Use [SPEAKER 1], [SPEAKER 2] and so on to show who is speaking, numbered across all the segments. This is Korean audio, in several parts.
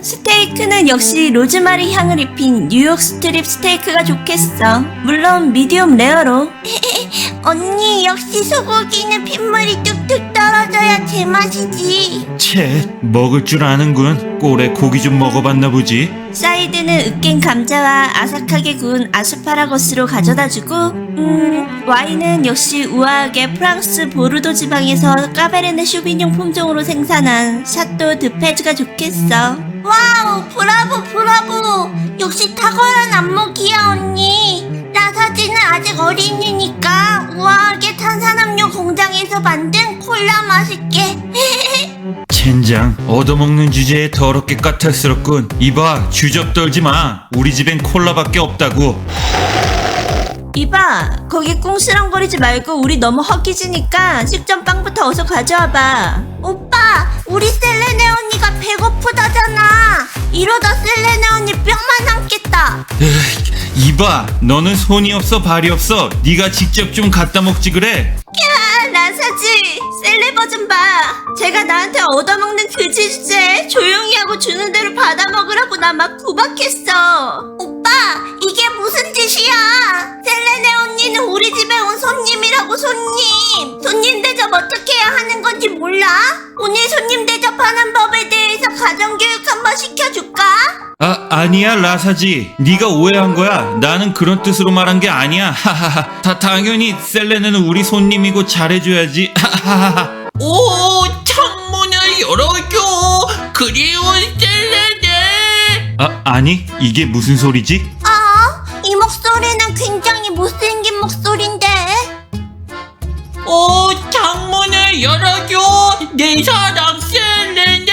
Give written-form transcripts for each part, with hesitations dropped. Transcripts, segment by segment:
[SPEAKER 1] 스테이크는 역시 로즈마리 향을 입힌 뉴욕 스트립 스테이크가 좋겠어. 물론 미디움 레어로.
[SPEAKER 2] 언니, 역시 소고기는 핏물이 뚝뚝 떨어져야 제맛이지.
[SPEAKER 3] 채, 먹을 줄 아는군. 꼴에 고기 좀 먹어봤나 보지.
[SPEAKER 1] 사이드는 으깬 감자와 아삭하게 구운 아스파라거스로 가져다주고 와인은 역시 우아하게 프랑스 보르도 지방에서 까베르네 쇼비뇽 품종으로 생산한 샤또 드페즈가 좋겠어.
[SPEAKER 2] 와우, 브라보 브라보. 역시 탁월한 안목이야 언니. 라사지는 아직 어린이니까 우아하게 탄산음료 공장에서 만든 콜라 맛있게.
[SPEAKER 3] 젠장, 얻어먹는 주제에 더럽게 까탈스럽군. 이봐, 주접 떨지 마. 우리 집엔 콜라밖에 없다고.
[SPEAKER 1] 이봐, 거기 꿍시렁거리지 말고 우리 너무 허기지니까 식전빵부터 어서 가져와봐.
[SPEAKER 2] 오빠, 우리 셀레네 언니가 배고프다잖아. 이러다 셀레네 언니 뼈만 남겠다.
[SPEAKER 3] 이봐, 너는 손이 없어 발이 없어. 네가 직접 좀 갖다 먹지 그래.
[SPEAKER 1] 야, 라사지, 셀레버 좀 봐. 제가 나한테 얻어먹는 그지 주제 조용히 하고 주는 대로 받아 먹으라고 나 막 구박했어.
[SPEAKER 2] 오빠, 이게 무슨 짓이야? 셀레네 언니는 우리 집에 온 손님이라고. 손님 대접 어떻게 해야 하는 건지 몰라? 오늘 손님 대접하는 법에 대해서 가정교육 한번 시켜줄까?
[SPEAKER 3] 아니야 라사지. 네가 오해한 거야. 나는 그런 뜻으로 말한 게 아니야. 하하하. 당연히 셀레는 우리 손님이고 잘해줘야지. 하하하.
[SPEAKER 4] 오, 창문을 열어줘. 그리운 셀레네.
[SPEAKER 3] 아니 이게 무슨 소리지?
[SPEAKER 2] 이 목소리는 굉장히 못생긴 목소린데.
[SPEAKER 4] 오, 창문을 열어줘. 내 사랑 셀레네.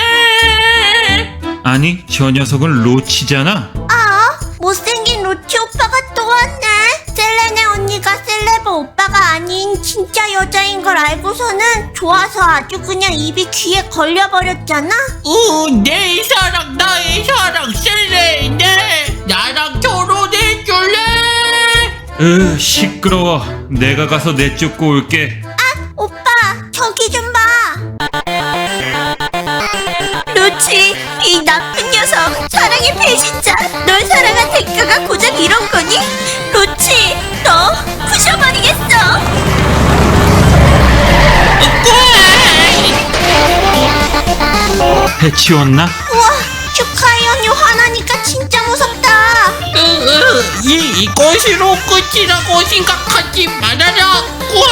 [SPEAKER 3] 아니 저 녀석은 로치잖아.
[SPEAKER 2] 못생긴 로치 오빠가 또 왔네. 셀레네 언니가 셀레버 오빠가 아닌 진짜 여자인 걸 알고서는 좋아서 아주 그냥 입이 귀에 걸려버렸잖아.
[SPEAKER 4] 오, 내 사랑, 나의 사랑 셀레네. 나랑 결혼해줄래?
[SPEAKER 3] 시끄러워. 내가 가서 내쫓고 올게.
[SPEAKER 2] 오빠, 저기 좀 봐.
[SPEAKER 1] 로치, 이 나쁜 녀석, 사랑의 배신자. 널 사랑한 대가가 고작 이런 거니? 로치, 너 부셔버리겠어.
[SPEAKER 3] 해치웠나?
[SPEAKER 2] 우와, 슈카이 언니 화나니까 진짜 무섭다.
[SPEAKER 4] 이것으로 끝이라고 생각하지 말아라.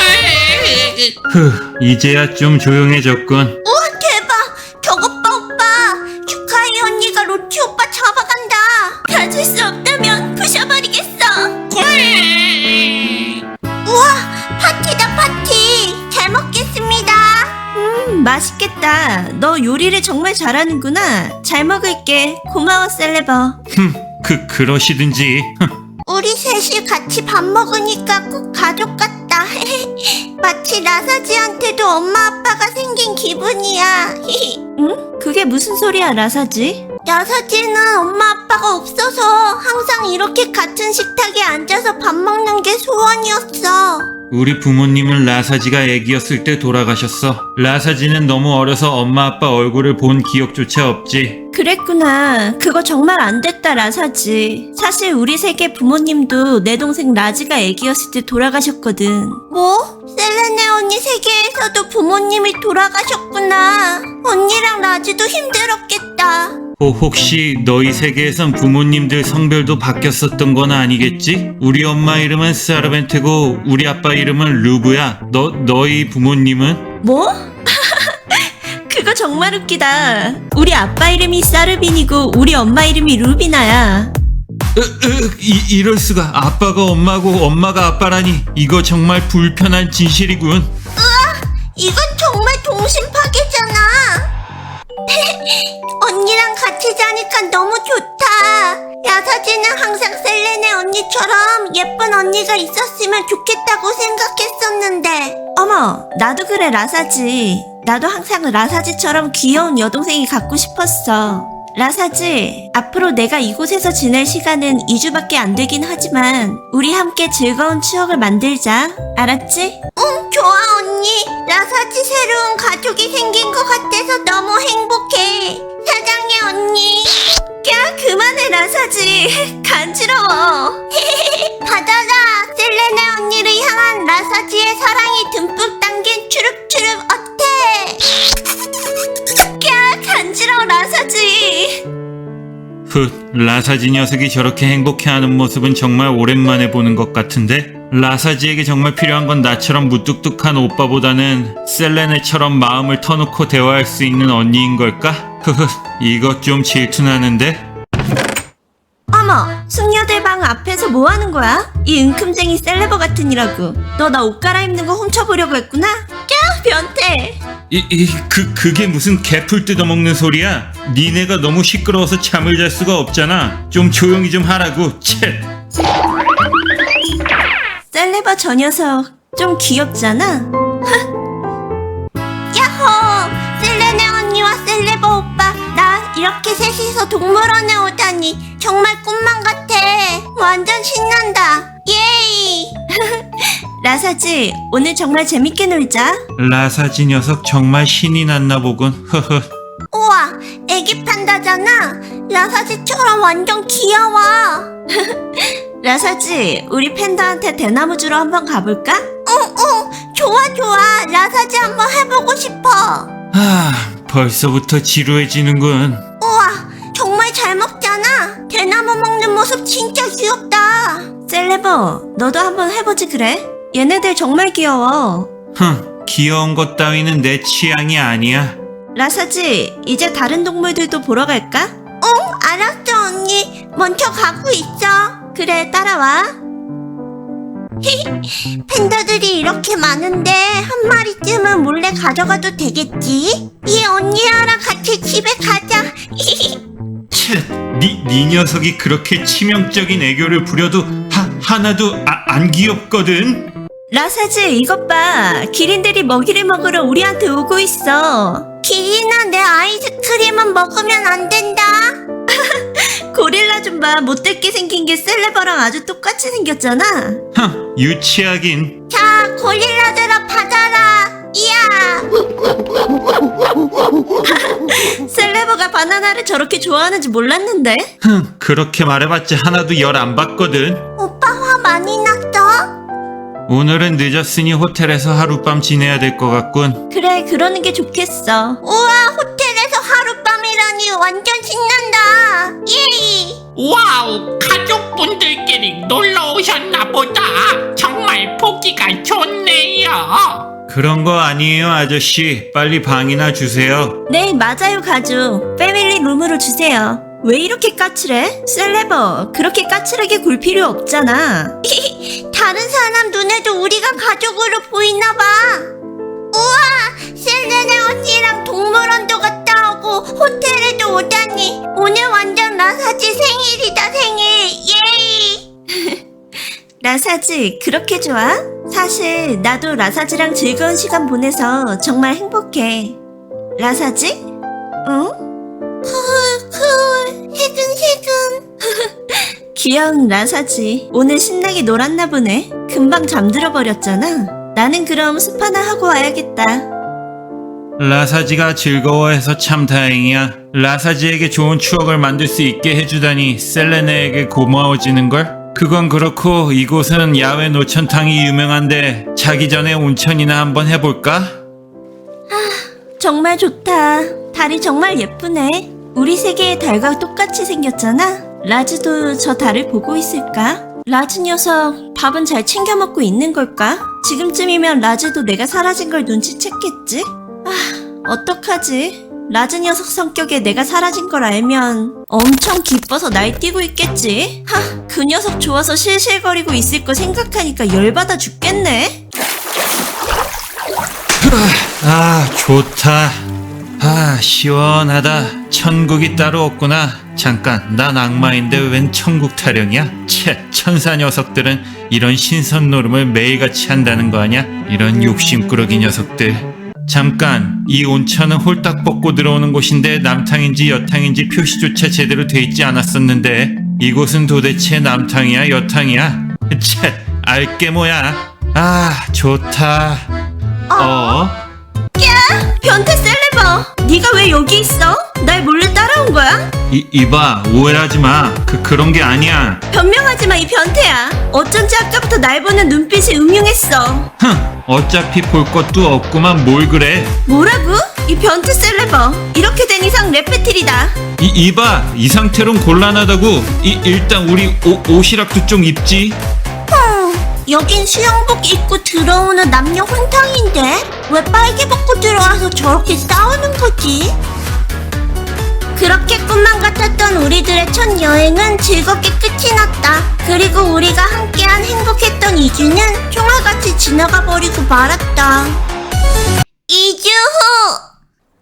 [SPEAKER 3] 이제야 좀 조용해졌군.
[SPEAKER 2] 우와, 대박. 저것 봐, 오빠. 슈카이 언니가 로치 오빠 잡아간다.
[SPEAKER 1] 가질 수 없다면 부셔버리겠어.
[SPEAKER 2] 우와, 파티다 파티. 잘 먹겠습니다.
[SPEAKER 1] 맛있겠다. 너 요리를 정말 잘하는구나. 잘 먹을게. 고마워, 셀레버.
[SPEAKER 3] 그러시든지.
[SPEAKER 2] 우리 셋이 같이 밥 먹으니까 꼭 가족 같다. 마치 라사지한테도 엄마 아빠가 생긴 기분이야.
[SPEAKER 1] 응? 그게 무슨 소리야, 라사지?
[SPEAKER 2] 라사지는 엄마 아빠가 없어서 항상 이렇게 같은 식탁에 앉아서 밥 먹는 게 소원이었어.
[SPEAKER 3] 우리 부모님은 라사지가 애기였을 때 돌아가셨어. 라사지는 너무 어려서 엄마 아빠 얼굴을 본 기억조차 없지.
[SPEAKER 1] 그랬구나. 그거 정말 안 됐다, 라사지. 사실 우리 세계 부모님도 내 동생 라지가 애기였을 때 돌아가셨거든.
[SPEAKER 2] 뭐? 셀레네 언니 세계에서도 부모님이 돌아가셨구나. 언니랑 라지도 힘들었겠다.
[SPEAKER 3] 혹시 너희 세계에선 부모님들 성별도 바뀌었었던 건 아니겠지? 우리 엄마 이름은 사르벤테고 우리 아빠 이름은 루브야. 너희 부모님은?
[SPEAKER 1] 뭐? 그거 정말 웃기다. 우리 아빠 이름이 사르빈이고 우리 엄마 이름이 루비나야.
[SPEAKER 3] 이럴 수가. 아빠가 엄마고 엄마가 아빠라니. 이거 정말 불편한 진실이군.
[SPEAKER 2] 이건 정말 동심 파괴잖아. 언니랑 같이 자니까 너무 좋다. 야사지는 항상 셀레네 언니처럼 예쁜 언니가 있었으면 좋겠다고 생각했었는데.
[SPEAKER 1] 어머, 나도 그래, 라사지. 나도 항상 라사지처럼 귀여운 여동생이 갖고 싶었어. 라사지, 앞으로 내가 이곳에서 지낼 시간은 2주밖에 안 되긴 하지만 우리 함께 즐거운 추억을 만들자. 알았지?
[SPEAKER 2] 응, 좋아 언니. 라사지 새로운 가족이 생긴 것 같아서 너무 행복해. 사랑해 언니.
[SPEAKER 1] 라사지 간지러워.
[SPEAKER 2] 받아라. 셀레네 언니를 향한 라사지의 사랑이 듬뿍 담긴 추룩추룩 어때?
[SPEAKER 1] 야, 간지러워 라사지.
[SPEAKER 3] 라사지 녀석이 저렇게 행복해하는 모습은 정말 오랜만에 보는 것 같은데? 라사지에게 정말 필요한 건 나처럼 무뚝뚝한 오빠보다는 셀레네처럼 마음을 터놓고 대화할 수 있는 언니인 걸까? 이것 좀 질투나는데?
[SPEAKER 1] 어머, 숙녀들 방 앞에서 뭐 하는 거야? 이 은큼쟁이 셀레버 같으니라고. 너 나 옷 갈아입는 거 훔쳐보려고 했구나? 야, 변태.
[SPEAKER 3] 그게 무슨 개풀 뜯어먹는 소리야? 니네가 너무 시끄러워서 잠을 잘 수가 없잖아. 좀 조용히 좀 하라고. 채.
[SPEAKER 1] 셀레버 저 녀석 좀 귀엽잖아?
[SPEAKER 2] 야호! 셀레네 언니와 셀레버 오빠 나 이렇게 셋이서 동물원에 오다니 정말 꿈만 같아. 완전 신난다. 예이!
[SPEAKER 1] 라사지, 오늘 정말 재밌게 놀자.
[SPEAKER 3] 라사지 녀석 정말 신이 났나 보군.
[SPEAKER 2] 우와, 애기 판다잖아. 라사지처럼 완전 귀여워.
[SPEAKER 1] 라사지, 우리 팬더한테 대나무 주러 한번 가볼까?
[SPEAKER 2] 좋아. 라사지 한번 해보고 싶어.
[SPEAKER 3] 벌써부터 지루해지는군.
[SPEAKER 2] 우와, 정말 잘 먹잖아. 대나무 먹는 모습 진짜 귀엽다.
[SPEAKER 1] 셀레버, 너도 한번 해보지 그래? 얘네들 정말 귀여워.
[SPEAKER 3] 귀여운 것 따위는 내 취향이 아니야.
[SPEAKER 1] 라사지, 이제 다른 동물들도 보러 갈까?
[SPEAKER 2] 알았어 언니. 먼저 가고 있어.
[SPEAKER 1] 그래, 따라와.
[SPEAKER 2] 팬더들이 이렇게 많은데 한 마리쯤은 몰래 가져가도 되겠지? 이 언니랑 같이 집에 가자.
[SPEAKER 3] 채, 네 녀석이 그렇게 치명적인 애교를 부려도 하나도 안 귀엽거든.
[SPEAKER 1] 라사지, 이것 봐. 기린들이 먹이를 먹으러 우리한테 오고 있어.
[SPEAKER 2] 기린아, 내 아이스크림은 먹으면 안 된다.
[SPEAKER 1] 고릴라 좀 봐. 못됐게 생긴 게 셀레버랑 아주 똑같이 생겼잖아.
[SPEAKER 3] 유치하긴.
[SPEAKER 2] 자, 고릴라들아 받아라. 이야.
[SPEAKER 1] 셀레버가 바나나를 저렇게 좋아하는지 몰랐는데.
[SPEAKER 3] 그렇게 말해봤자 하나도 열 안 받거든.
[SPEAKER 2] 오빠 화 많이 났어?
[SPEAKER 3] 오늘은 늦었으니 호텔에서 하룻밤 지내야 될 것 같군.
[SPEAKER 1] 그래, 그러는 게 좋겠어.
[SPEAKER 2] 우와, 호텔에서 하룻밤이라니 완전 신난다. 예이.
[SPEAKER 4] 와우, 가족분들끼리 놀러 오셨나 보다. 정말 보기가 좋네요.
[SPEAKER 3] 그런 거 아니에요, 아저씨. 빨리 방이나 주세요.
[SPEAKER 1] 네, 맞아요, 가족. 패밀리 룸으로 주세요. 왜 이렇게 까칠해? 셀레버, 그렇게 까칠하게 굴 필요 없잖아.
[SPEAKER 2] 다른 사람 눈에도 우리가 가족으로 보이나 봐. 우와, 셀레네 언니랑 동물원도 갔다 오고 호텔에도 오다니. 오늘 완전 라사지 생일이다, 생일. 예이.
[SPEAKER 1] 라사지, 그렇게 좋아? 사실 나도 라사지랑 즐거운 시간 보내서 정말 행복해. 라사지? 응?
[SPEAKER 2] 해근해근.
[SPEAKER 1] 귀여운 라사지. 오늘 신나게 놀았나 보네. 금방 잠들어 버렸잖아. 나는 그럼 숲 하나 하고 와야겠다.
[SPEAKER 3] 라사지가 즐거워해서 참 다행이야. 라사지에게 좋은 추억을 만들 수 있게 해주다니 셀레네에게 고마워지는걸? 그건 그렇고 이곳은 야외 노천탕이 유명한데 자기 전에 온천이나 한번 해볼까?
[SPEAKER 1] 정말 좋다. 달이 정말 예쁘네. 우리 세계의 달과 똑같이 생겼잖아. 라즈도 저 달을 보고 있을까? 라즈 녀석 밥은 잘 챙겨 먹고 있는 걸까? 지금쯤이면 라즈도 내가 사라진 걸 눈치챘겠지? 어떡하지? 라즈 녀석 성격에 내가 사라진 걸 알면 엄청 기뻐서 날뛰고 있겠지? 그 녀석 좋아서 실실거리고 있을 거 생각하니까 열받아 죽겠네.
[SPEAKER 3] 좋다. 시원하다. 천국이 따로 없구나. 잠깐, 난 악마인데 웬 천국 타령이야? 채, 천사 녀석들은 이런 신선 노름을 매일같이 한다는 거 아냐? 이런 욕심꾸러기 녀석들. 잠깐, 이 온천은 홀딱 벗고 들어오는 곳인데 남탕인지 여탕인지 표시조차 제대로 돼 있지 않았었는데 이곳은 도대체 남탕이야 여탕이야? 채, 알게 뭐야? 좋다.
[SPEAKER 1] 변태 셀레버, 네가 왜 여기 있어? 날 몰래 따라온 거야?
[SPEAKER 3] 이봐, 오해하지 마. 그런 게 아니야.
[SPEAKER 1] 변명하지 마, 이 변태야. 어쩐지 아까부터 날 보는 눈빛이 음흉했어.
[SPEAKER 3] 흥, 어차피 볼 것도 없구만 뭘 그래.
[SPEAKER 1] 뭐라고? 이 변태 셀레버. 이렇게 된 이상 레페틸이다.
[SPEAKER 3] 이봐, 이 상태론 곤란하다고. 일단 우리 옷이라도 좀 입지.
[SPEAKER 2] 여긴 수영복 입고 들어오는 남녀 혼탕인데 왜 빨개 벗고 들어와서 저렇게 싸우는 거지? 그렇게 꿈만 같았던 우리들의 첫 여행은 즐겁게 끝이 났다. 그리고 우리가 함께한 행복했던 2주는 총알같이 지나가 버리고 말았다. 2주 후!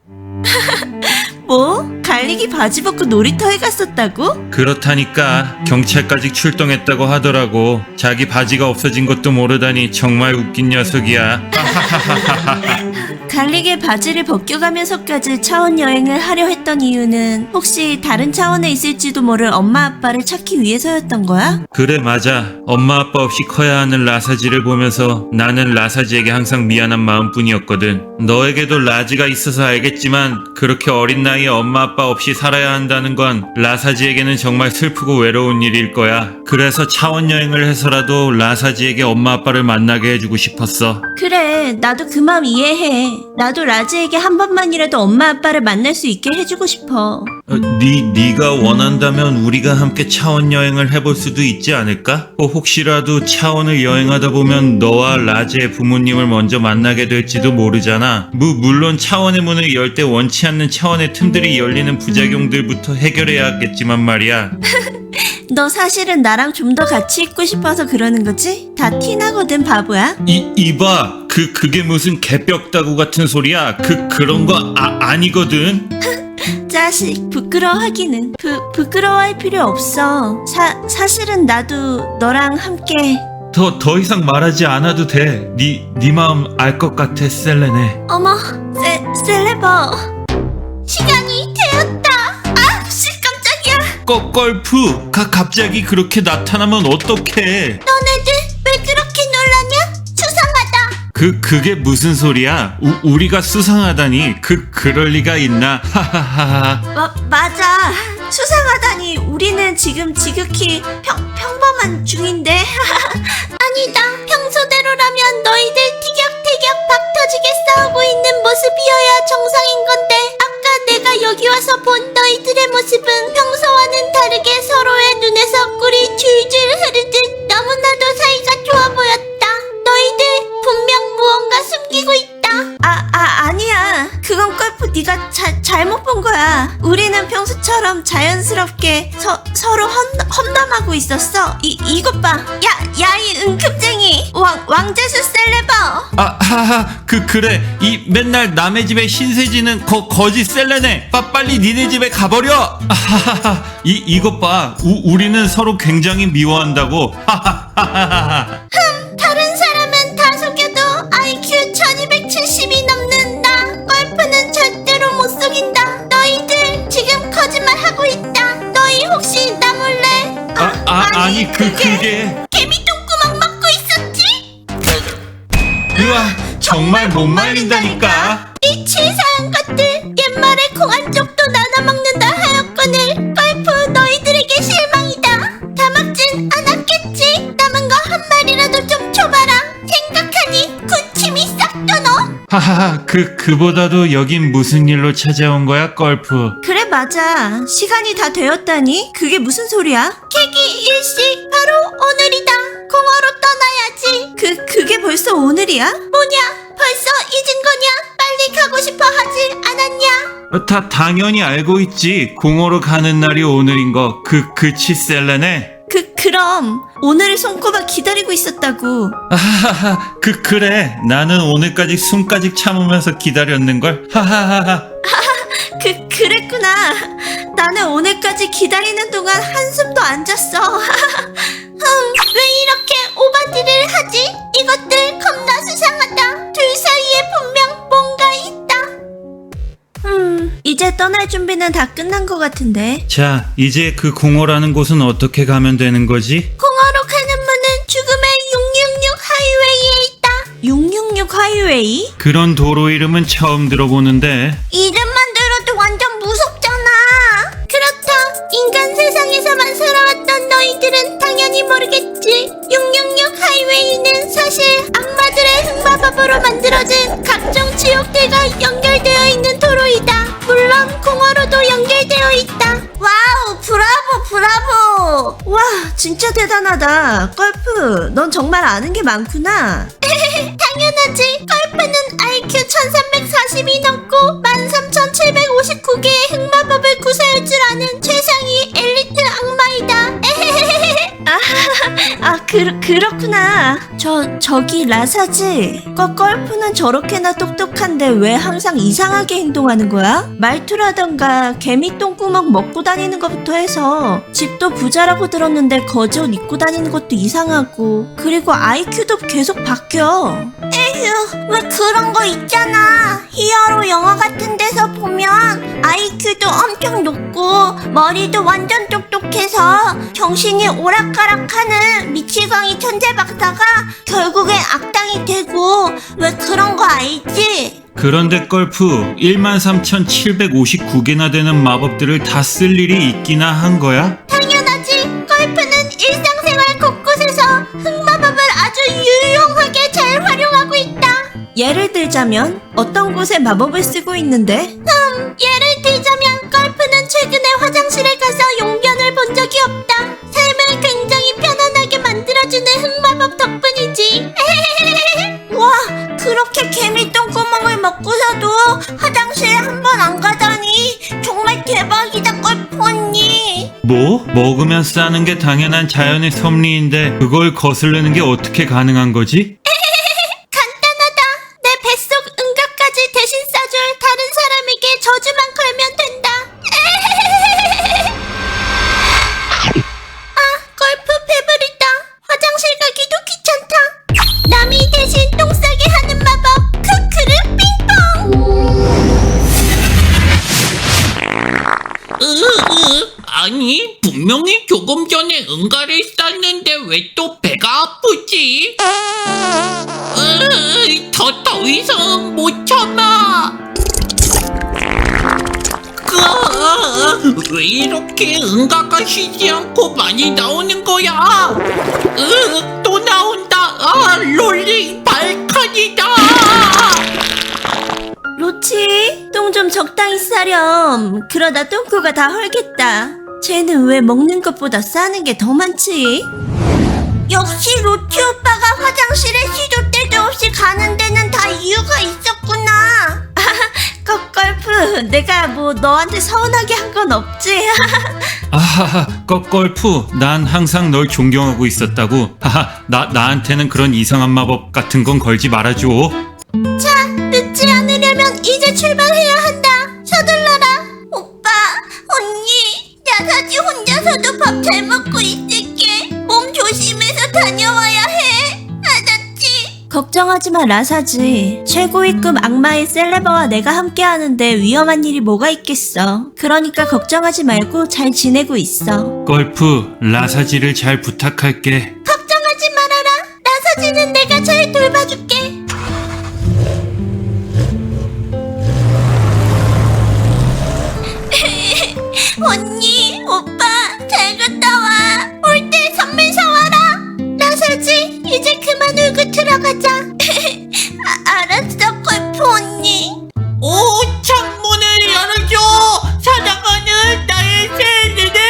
[SPEAKER 1] 뭐? 갈릭이 바지 벗고 놀이터에 갔었다고?
[SPEAKER 3] 그렇다니까 경찰까지 출동했다고 하더라고. 자기 바지가 없어진 것도 모르다니 정말 웃긴 녀석이야.
[SPEAKER 1] 갈릭의 바지를 벗겨가면서까지 차원 여행을 하려 했던 이유는 혹시 다른 차원에 있을지도 모를 엄마 아빠를 찾기 위해서였던 거야?
[SPEAKER 3] 그래, 맞아. 엄마 아빠 없이 커야 하는 라사지를 보면서 나는 라사지에게 항상 미안한 마음뿐이었거든. 너에게도 라지가 있어서 알겠지만 그렇게 어린 나이에 엄마 아빠 없이 살아야 한다는 건 라사지에게는 정말 슬프고 외로운 일일 거야. 그래서 차원 여행을 해서라도 라사지에게 엄마 아빠를 만나게 해주고 싶었어.
[SPEAKER 1] 그래, 나도 그 마음 이해해. 나도 라지에게 한 번만이라도 엄마 아빠를 만날 수 있게 해주고 싶어.
[SPEAKER 3] 네가 원한다면 우리가 함께 차원 여행을 해볼 수도 있지 않을까? 혹시라도 차원을 여행하다 보면 너와 라지의 부모님을 먼저 만나게 될지도 모르잖아. 물론 차원의 문을 열 때 원치 않는 차원의 틈들이 열리는 부작용들부터 해결해야겠지만 말이야.
[SPEAKER 1] 너 사실은 나랑 좀 더 같이 있고 싶어서 그러는 거지? 다 티나거든, 바보야.
[SPEAKER 3] 이봐, 그게 무슨 개벽다구 같은 소리야. 그런 거 아니거든.
[SPEAKER 1] 자식, 부끄러워하기는. 부끄러워할 필요 없어. 사실은 나도 너랑 함께.
[SPEAKER 3] 더 이상 말하지 않아도 돼. 네 마음 알 것 같아, 셀레네.
[SPEAKER 1] 어머, 셀레버.
[SPEAKER 2] 시간이 되었다. 아, 씨, 깜짝이야.
[SPEAKER 3] 걸프, 갑자기 그렇게 나타나면 어떡해.
[SPEAKER 2] 너네들 왜 그렇게 놀라냐? 수상하다.
[SPEAKER 3] 그게 무슨 소리야? 우리가 수상하다니. 그럴 리가 있나? 하하하하.
[SPEAKER 1] 맞아. 수상하다니. 우리는 지금 지극히 평범한 중인데.
[SPEAKER 2] 아니다. 평소대로라면 너희들 티격태격 박 터지게 싸우고 있는 모습이어야 정상인 건데 아까 내가 여기 와서 본 너희들의 모습은 평소와는 다르게 서로의 눈에서 꿀이 줄줄 흐르듯 너무나도 사이가 좋아 보였다. 너희들 분명 무언가 숨기고 있다.
[SPEAKER 1] 아니야. 그건 걸프 네가 잘못 본 거야. 우리는 평소처럼 자연스럽게 서로 험담하고 있었어. 이것 봐. 야, 이 은큼쟁이. 왕재수 셀레버.
[SPEAKER 3] 하하, 그래. 이 맨날 남의 집에 신세지는 거짓 셀레네. 빨리 니네 집에 가버려. 하하하. 이것 봐. 우리는 서로 굉장히 미워한다고. 하하하하.
[SPEAKER 2] 다른 사람은 다 속여도 IQ 1270이 넘는 나 걸프는 절대로 못 속인다. 너희들 지금 거짓말하고 있다. 너희 혹시 나 몰래
[SPEAKER 3] 아니 그게.
[SPEAKER 2] 개미 똥구멍 먹고 있었지?
[SPEAKER 3] 우와, 정말 못 말린다니까.
[SPEAKER 2] 이 치사한 것들. 옛말에 공한 쪽도 나눠 먹는다 하였거늘. 걸프 너희들에게 실망이다. 다 먹진 않았겠지? 남은 거 한 마리라도 좀 줘봐라. 생각하니 군침이 싹 도노.
[SPEAKER 3] 하하하. 그보다도 여긴 무슨 일로 찾아온 거야, 걸프?
[SPEAKER 1] 그래, 맞아. 시간이 다 되었다니? 그게 무슨 소리야?
[SPEAKER 2] 계기 일식 바로 오늘이다. 공허로 떠나야지.
[SPEAKER 1] 그게 벌써 오늘이야?
[SPEAKER 2] 뭐냐? 벌써 잊은 거냐? 빨리 가고 싶어 하지 않았냐?
[SPEAKER 3] 당연히 알고 있지. 공허로 가는 날이 오늘인 거. 그치, 셀레네?
[SPEAKER 1] 그럼 오늘을 손꼽아 기다리고 있었다고.
[SPEAKER 3] 하하하. 그래. 나는 오늘까지 숨까지 참으면서 기다렸는걸. 하하하하.
[SPEAKER 1] 그랬구나. 나는 오늘까지 기다리는 동안 한숨도 안 잤어.
[SPEAKER 2] 왜 이렇게 오바디를 하지? 이것들 겁나 수상하다. 둘 사이에 분명 뭔가 있다.
[SPEAKER 1] 이제 떠날 준비는 다 끝난 것 같은데.
[SPEAKER 3] 자, 이제 그 공허라는 곳은 어떻게 가면 되는 거지?
[SPEAKER 2] 공허로 가는 문은 죽음의 666 하이웨이에 있다.
[SPEAKER 1] 666 하이웨이?
[SPEAKER 3] 그런 도로 이름은 처음 들어보는데.
[SPEAKER 2] 이름만 들어도 완전 무섭잖아. 그렇다. 브라보!
[SPEAKER 1] 와, 진짜 대단하다. 걸프, 넌 정말 아는 게 많구나.
[SPEAKER 2] 당연하지. 걸프는 IQ 1340이 넘고 13759개의 흑마법을 구사할 줄 아는 최상위 엘리트 악마이다.
[SPEAKER 1] 그렇구나. 저기 라사지. 걸프는 저렇게나 똑똑한데 왜 항상 이상하게 행동하는 거야? 말투라던가 개미 똥구멍 먹고 다니는 것부터 해서 집도 부자라고 들었는데 거지 옷 입고 다니는 것도 이상하고 그리고 IQ도 계속 바뀌어.
[SPEAKER 2] 에휴, 왜 그런 거 있잖아. 히어로 영화 같은 데서 보면 IQ도 엄청 높고 머리도 완전 똑똑해서 정신이 오락가락하는 미치광이 천재 박사가 결국엔 악당이 되고 왜 그런 거 알지?
[SPEAKER 3] 그런데 걸프 13,759개나 되는 마법들을 다 쓸 일이 있기나 한 거야?
[SPEAKER 2] 당연하지. 걸프는 일상생활 곳곳에서 흑마법을 아주 유용하게 잘 활용하고 있다.
[SPEAKER 1] 예를 들자면 어떤 곳에 마법을 쓰고 있는데?
[SPEAKER 2] 예를 들자면 걸프는 최근에 화장실에 가서 용변을 본 적이 없다. 삶을 굉장히 편안하게 만들어주는 흑마법 덕분이지. 와, 그렇게 개미 똥구멍을 먹고서도 화장실에 한 번 안 가다니 정말 대박이다, 걸프 언니.
[SPEAKER 3] 뭐? 먹으면 싸는 게 당연한 자연의 섭리인데 그걸 거스르는 게 어떻게 가능한 거지?
[SPEAKER 2] 간단하다. 내 뱃속 응급까지 대신 싸줄 다른 사람에게 저주만 걸면 된다. 아, 걸프 배부르다. 화장실 가기도 귀찮다. 남이 대신 똥 싸게 하는 마법. 크크르 빙봉.
[SPEAKER 4] 아니 분명히 조금 전에 응가를 쌌는데 왜 또 배가 아프지? 더 이상 못 참아. 왜 이렇게 응가가 쉬지 않고 많이 나오는 거야? 또 나온다. 롤링 발칸이다.
[SPEAKER 1] 로치, 똥 좀 적당히 싸렴. 그러다 똥꼬가 다 헐겠다. 쟤는 왜 먹는 것보다 싸는 게 더 많지?
[SPEAKER 2] 역시 로치 오빠가 화장실에 시도 때도 없이 가는 데는 다 이유가 있었구나.
[SPEAKER 1] 걸프, 내가 뭐 너한테 서운하게 한 건 없지?
[SPEAKER 3] 아하하, 걸프, 난 항상 널 존경하고 있었다고. 하하, 나한테는 그런 이상한 마법 같은 건 걸지 말아줘.
[SPEAKER 2] 자, 늦지 않으려면 이제 출발해야 한다. 서둘러라. 오빠, 언니, 야사지 혼자서도 밥 잘 먹고 있을게. 몸 조심해서 다녀와야 해. 알았지?
[SPEAKER 1] 걱정하지 마, 라사지. 최고위급 악마의 셀레버와 내가 함께 하는데 위험한 일이 뭐가 있겠어. 그러니까 걱정하지 말고 잘 지내고 있어.
[SPEAKER 3] 걸프, 라사지를 잘 부탁할게.
[SPEAKER 2] 걱정하지 말아라. 나사지는 내가 잘 돌봐줄게. 언니, 오빠, 잘 갔다 와. 올 때 선물 사와라. 나사지, 이제 그만 울고 들어가자. 알았어, 걸프 언니.
[SPEAKER 4] 오, 창문을 열어줘. 사랑하는 나의 셀레네.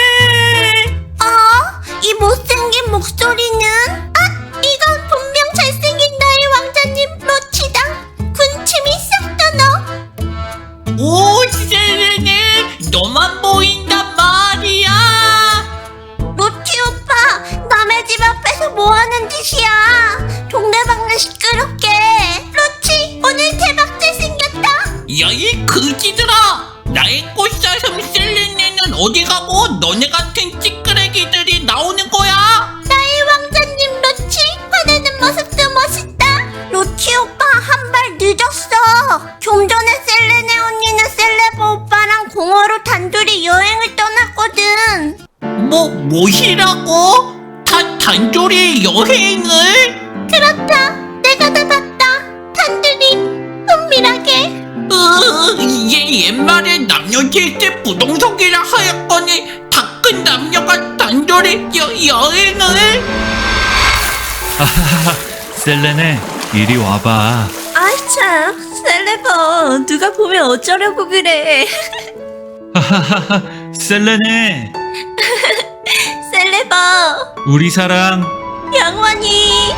[SPEAKER 2] 이 못생긴 목소리는? 이건 분명 잘생긴 나의 왕자님 로치다. 군침이 싹 떠나.
[SPEAKER 4] 오, 셀레네. 너만 보인단 말이야.
[SPEAKER 2] 로치 오빠, 남의 집 앞에서 뭐 하는 짓이야? 동네방네 시끄럽게. 로치, 오늘 대박 잘생겼다.
[SPEAKER 4] 야, 이 그지들아. 나의 꽃사슴 셀레네는 어디 가고 너네 같은 찌끄레기들이 나오는 거야?
[SPEAKER 2] 나의 왕자님 로치, 화내는 모습도 멋있다. 로치 오빠, 한 발 늦었어. 좀 전에 셀레네 언니는 셀레버 오빠랑 공허로 단둘이 여행을 떠났거든.
[SPEAKER 4] 뭐시라고? 단둘이 여행을?
[SPEAKER 2] 그렇다. 내가 다 봤다. 단둘이 은밀하게.
[SPEAKER 4] 얘 옛말에 남녀 질질 부동석이라 하였거니 다 큰 남녀가 단둘이 여행을?
[SPEAKER 3] 아하하, 셀레네, 이리 와봐.
[SPEAKER 1] 아이 참, 셀레버, 누가 보면 어쩌려고 그래.
[SPEAKER 3] 하하하하, 셀레네. 우리 사랑.
[SPEAKER 2] 영원히.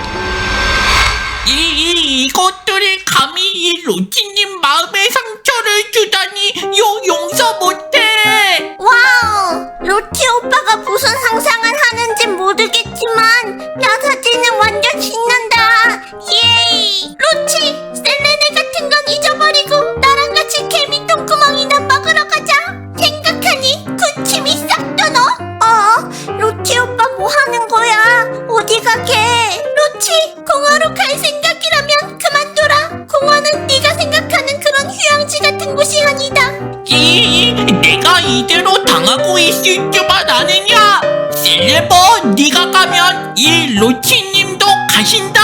[SPEAKER 4] 이것들이 감히 이 로치님 마음에 상처를 주다니 용서 못해.
[SPEAKER 2] 와우! 로티 오빠가 무슨 상상을 하는진 모르겠지만 라사지는 완전 신난다. 예이! 로치! 셀레네 같은 건 잊어버리고 나랑 같이 개미 똥구멍이나 먹으러 가자. 생각하니 군침이 싹 도너? 로티 오빠 뭐 하는 거야? 어디 가게? 로치! 공원으로 갈 생각이라면 그만둬라. 공원은 네가 생각하는 그런 휴양지 같은 곳이 아니다.
[SPEAKER 4] 내가 이대로 당하고 있을 줄만 아느냐? 셀레버, 네가 가면 이 로치님도 가신다.